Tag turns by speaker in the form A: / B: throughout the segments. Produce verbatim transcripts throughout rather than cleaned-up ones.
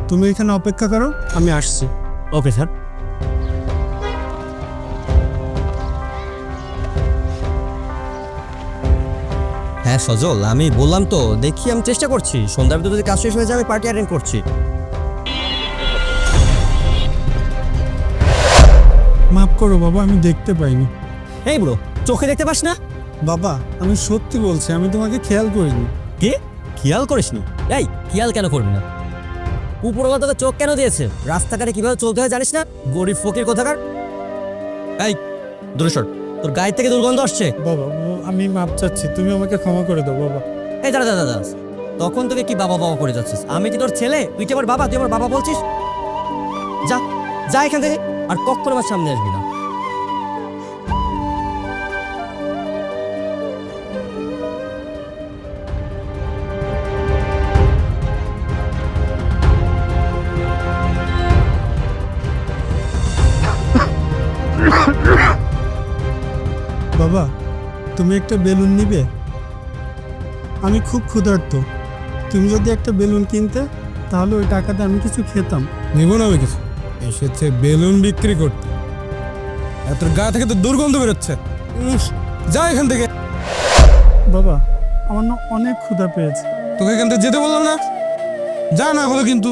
A: তুমি এখানে অপেক্ষা করো, আমি আসছি।
B: Okay sir. হ্যাঁ সজল, আমি বললাম তো, দেখি আমি চেষ্টা করছি সন্ধ্যার ভিতরে যদি কাজ শেষ হয়ে যায় আমি পার্টি অ্যাটেন্ড করছি।
A: মাফ করো বাবা, আমি দেখতে পাইনি।
B: এই ব্রো, চোখে দেখতে পাস না?
A: বাবা আমি সত্যি বলছি, আমি তোমাকে খেয়াল করিনি।
B: কি খেয়াল করিসনি? এই খেয়াল কেন করবি না? উপরওয়ালা তোকে চোখ কেন দিয়েছে? রাস্তাঘাটে কিভাবে চলতে হয় জানিস না? গরিব ফকির কোথাকার। এই দূরে সর, তোর গায়ের থেকে দুর্গন্ধ আসছে।
A: বাবা বাবা, আমি মাপ চাচ্ছি, তুমি আমাকে ক্ষমা করে দাও বাবা।
B: এই দাদা দাদা দাদা, তখন তোকে কি বাবা বাবা করে যাচ্ছিস? আমি কি তোর ছেলে? তুই কি আমার বাবা? তুই আমার বাবা বলছিস? যা যা এখান থেকে, আর কখনো আমার সামনে আসবি না।
A: বাবা তুমি একটা বেলুন নিবে? আমি খুব ক্ষুধার্ত, তুমি যদি একটা বেলুন কিনতে তাহলে ওই টাকাতে আমি কিছু খেতাম।
C: নিব না আমি কিছু, এসেছে বেলুন বিক্রি করতে। আর তোর গা থেকে তো দুর্গন্ধ বেরোচ্ছে। উফ, যা এখান থেকে।
A: বাবা আমার না অনেক ক্ষুধা পেয়েছে।
C: তোকে এখান থেকে যেতে বললাম না? যা, না হলো কিন্তু।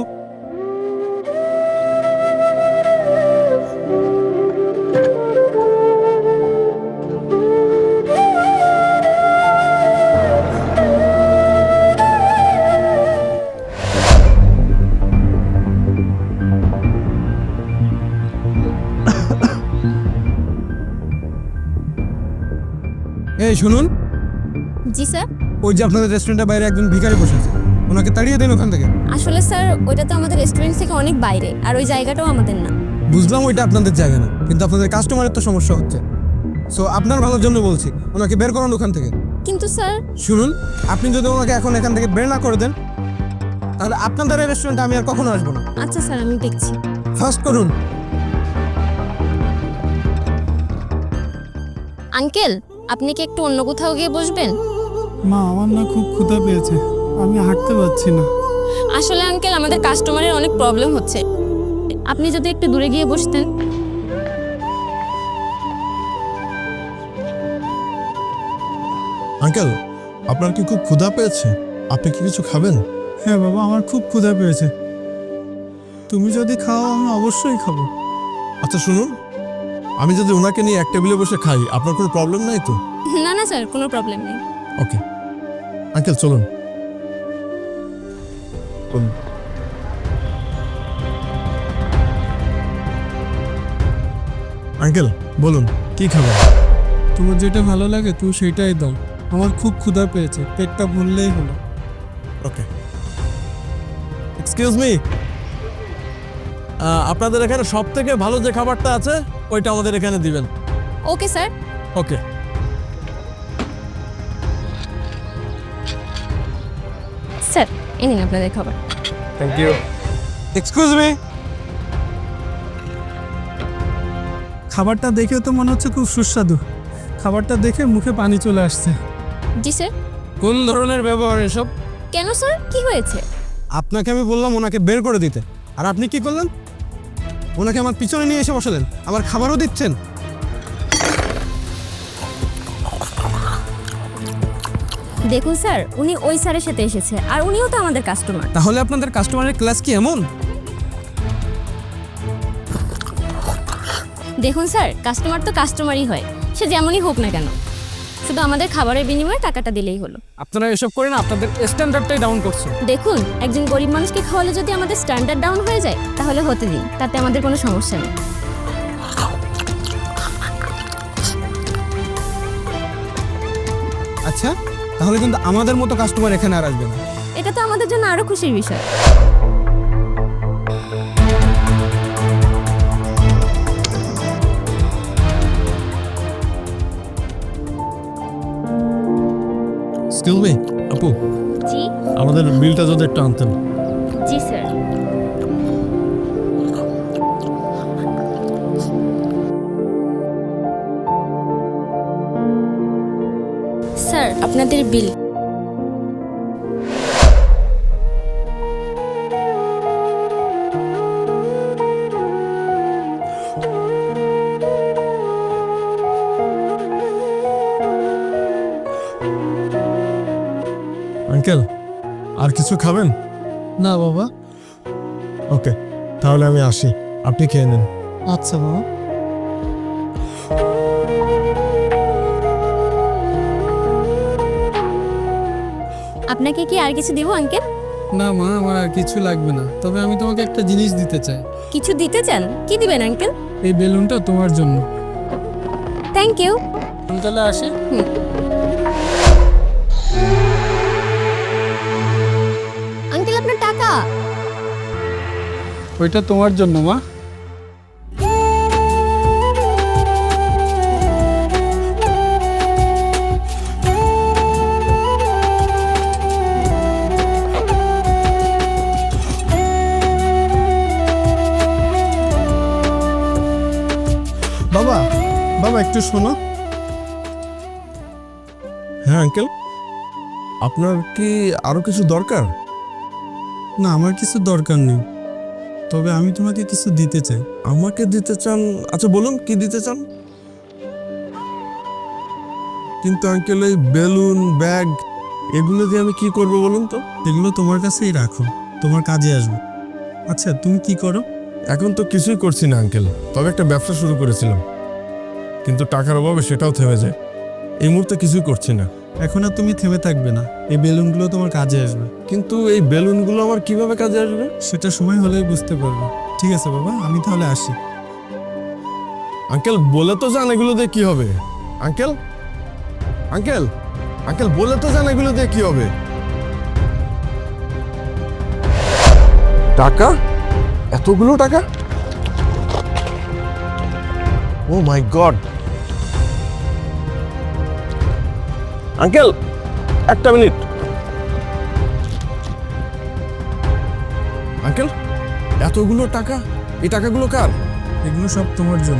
C: এই শুনুন,
D: জি স্যার।
C: ওই যে আপনাদের রেস্টুরেন্টের বাইরে একজন ভিখারি বসেছে, ওনাকে তাড়িয়ে দেন ওখান থেকে।
D: আসলে স্যার ওইটা তো আমাদের রেস্টুরেন্ট থেকে অনেক বাইরে, আর ওই জায়গাটাও আমাদের না।
C: বুঝলাম ওইটা আপনাদের জায়গা না, কিন্তু আপনাদের কাস্টমারের তো সমস্যা হচ্ছে। সো আপনার ভালোর জন্য বলছি, ওনাকে বের করুন ওখান থেকে।
D: কিন্তু স্যার।
C: শুনুন, আপনি যদি ওনাকে এখন এখান থেকে বের না করে দেন, তাহলে আপনাদের এই রেস্টুরেন্টে আমি আর কখনো আসবো না।
D: আচ্ছা স্যার, আমি দেখছি।
C: ফাস্ট করুন।
D: আঙ্কেল, আপনি কি একটু অন্য কোথাও গিয়ে বসবেন?
A: মা আমার না খুব ক্ষুধা পেয়েছে, আমি হাঁটতে পারছি না।
D: আসলে আঙ্কেল আমাদের কাস্টমারের অনেক প্রবলেম হচ্ছে, আপনি যদি একটু দূরে গিয়ে বসতেন।
E: আঙ্কেল, আপনার কি খুব ক্ষুধা পেয়েছে? আপনি কি কিছু খাবেন?
A: হ্যাঁ বাবা, আমার খুব ক্ষুধা পেয়েছে, তুমি যদি খাও আমি অবশ্যই খাবো।
E: আচ্ছা শুনুন, আমি যদি ওনাকে নিয়ে এক টেবিলে বসে খাই, আপনার কোনো প্রবলেম নাই তো?
D: না না স্যার, কোনো প্রবলেম নেই।
E: ওকে আঙ্কেল, চলুন। আঙ্কেল বলুন, কি খাবেন?
A: তোমার যেটা ভালো লাগে তুমি সেটাই দাও, আমার খুব ক্ষুধা পেয়েছে, পেটটা ভরলেই হলো।
E: ওকে। এক্সকিউজ মি, আপনাদের এখানে সব থেকে ভালো যে খাবারটা আছে ওইটা আমাদের এখানে দিবেন।
D: Okay sir.
E: ওকে।
D: স্যার এই নিন আপনাদের খাবার।
C: Thank you. Excuse me.
A: খাবারটা দেখেও তো মনে হচ্ছে খুব সুস্বাদু, খাবারটা দেখে মুখে পানি চলে আসছে।
D: জি স্যার।
C: কোন ধরনের ব্যবহার এসব?
D: কেন স্যার, কি হয়েছে?
C: আপনাকে আমি বললাম ওনাকে বের করে দিতে, আর আপনি কি করলেন? ওনাকে আমার পিছনে নিয়ে এসে বসালেন, আবার খাবারও দিচ্ছেন।
D: দেখুন স্যার, উনি ওই স্যারের সাথে এসেছে, আর উনিও তো আমাদের কাস্টমার।
C: তাহলে আপনাদের কাস্টমারের ক্লাস কি এমন?
D: দেখুন স্যার, কাস্টমার তো কাস্টমারই হয়, সে যেমনই হোক না কেন, শুধু আমাদের খাবারের বিনিময়ে টাকাটা দিলেই হলো।
C: আপনারা এসব করেন, আপনাদের স্ট্যান্ডার্ডটাই ডাউন করছে।
D: দেখুন, একজন গরিব মানুষকে খাওয়ালে যদি আমাদের স্ট্যান্ডার্ড ডাউন হয়ে যায় তাহলে হতে দিন, তাতে আমাদের কোনো সমস্যা নেই।
C: আচ্ছা, তাহলে কিন্তু আমাদের মতো কাস্টমার এখানে আর আসবে না।
D: এটা তো আমাদের জন্য আরো খুশির বিষয়।
E: এক্সকিউজ মি আপু,
D: জি।
E: আমাদের বিলটা যদি একটু আনতেন।
D: জি স্যার। স্যার আপনাদের বিল।
E: আঙ্কেল আর কিছু খাবেন?
A: না বাবা।
E: ওকে, তাহলে আমি আসি, আপনি খেয়ে নেন।
A: আচ্ছা বাবা।
D: আপনাকে কি আর কিছু দিব আঙ্কেল?
A: না মা, আমার আর কিছু লাগবে না, তবে আমি তোমাকে একটা জিনিস দিতে চাই।
D: কিছু দিতে চান? কি দিবেন আঙ্কেল?
A: এই বেলুনটা তোমার জন্য।
D: Thank you.
A: আমি তাহলে আসি।
D: আঙ্কেল আপনার টাকা।
A: ওইটা তোমার জন্য মা। বাবা, বাবা একটু শোনো।
E: হ্যাঁ আঙ্কেল, আপনার কি আরো কিছু দরকার?
A: না, আমার কিছু দরকার নেই, তবে আমি তোমাকে কিছু দিতে চাই।
E: আমাকে দিতে চান? আচ্ছা বলুন কি দিতে চান। কিন্তু আঙ্কেল এই বেলুন, ব্যাগ এগুলো দিয়ে আমি কি করব বলুন তো?
A: এগুলো তোমার কাছেই রাখো, তোমার কাজে আসবে। আচ্ছা তুমি কি করো?
E: এখন তো কিছুই করছি না আঙ্কেল, তবে একটা ব্যবসা শুরু করেছিলাম, কিন্তু টাকার অভাবে সেটাও থেমে যায়। এই মুহূর্তে কিছুই করছি না।
A: এখন আর তুমি থেমে থাকবে না, এই বেলুনগুলো তোমার কাজে আসবে।
E: কিন্তু এই বেলুনগুলো আমার কিভাবে কাজে আসবে?
A: সেটা সময় হলেই বুঝতে পারবে। ঠিক আছে বাবা, আমি তাহলে আসি।
E: আঙ্কেল বলে তো যান এগুলো দিয়ে কি হবে? আঙ্কেল আঙ্কেল আঙ্কেল বলে তো যান এগুলো দিয়ে কি হবে? টাকা? এতগুলো টাকা? Oh my god! আঙ্কেল একটা মিনিট। আঙ্কেল এতগুলো টাকা, এই টাকাগুলো কার?
A: এগুলো সব তোমার জন্য।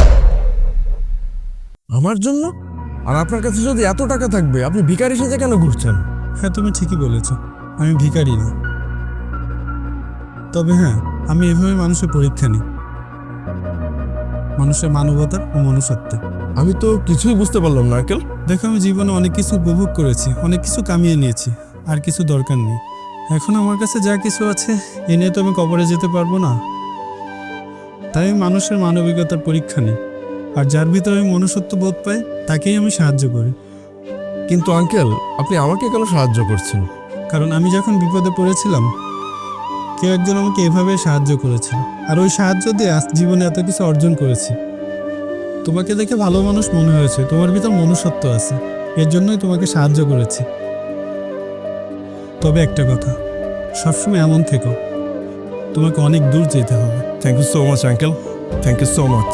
E: আমার জন্য? আর আপনার কাছে যদি এত টাকা থাকবে, আপনি ভিখারি সেজে কেন ঘুরছেন?
A: হ্যাঁ তুমি ঠিকই বলেছ, আমি ভিখারি না। তবে হ্যাঁ, আমি এভাবে মানুষের পরীক্ষা নিই, মানুষের মানবতার ও মনুষ্যত্বের।
E: আমি তো কিছুই বুঝতে পারলাম না আঙ্কেল।
A: দেখো, আমি জীবনে অনেক কিছু উপভোগ করেছি, অনেক কিছু কামিয়ে নিয়েছি, আর কিছু দরকার নেই। এখন আমার কাছে যা কিছু আছে এ নিয়ে তো আমি কবরে যেতে পারবো না। তাই আমি মানুষের মানবিকতার পরীক্ষা নিই, আর যার ভিতরে আমি মনুষ্যত্ব বোধ পাই তাকেই আমি সাহায্য করি।
E: কিন্তু আঙ্কেল আপনি আমাকে কেন সাহায্য করছেন?
A: কারণ আমি যখন বিপদে পড়েছিলাম, কেউ একজন আমাকে এভাবে সাহায্য করেছিল, আর ওই সাহায্য দিয়ে আজ জীবনে এত কিছু অর্জন করেছি। তোমাকে দেখে ভালো মানুষ মনে হয়েছে, তোমার ভিতর মনুষ্যত্ব আছে, এর জন্যই তোমাকে সাহায্য করেছি। তবে একটা কথা, সবসময় এমন থেকো, তোমাকে অনেক দূর যেতে হবে।
E: Thank you so much uncle, thank you so much.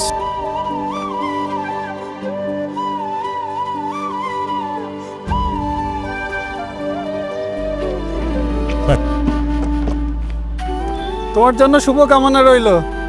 A: তোমার জন্য শুভ কামনা রইল।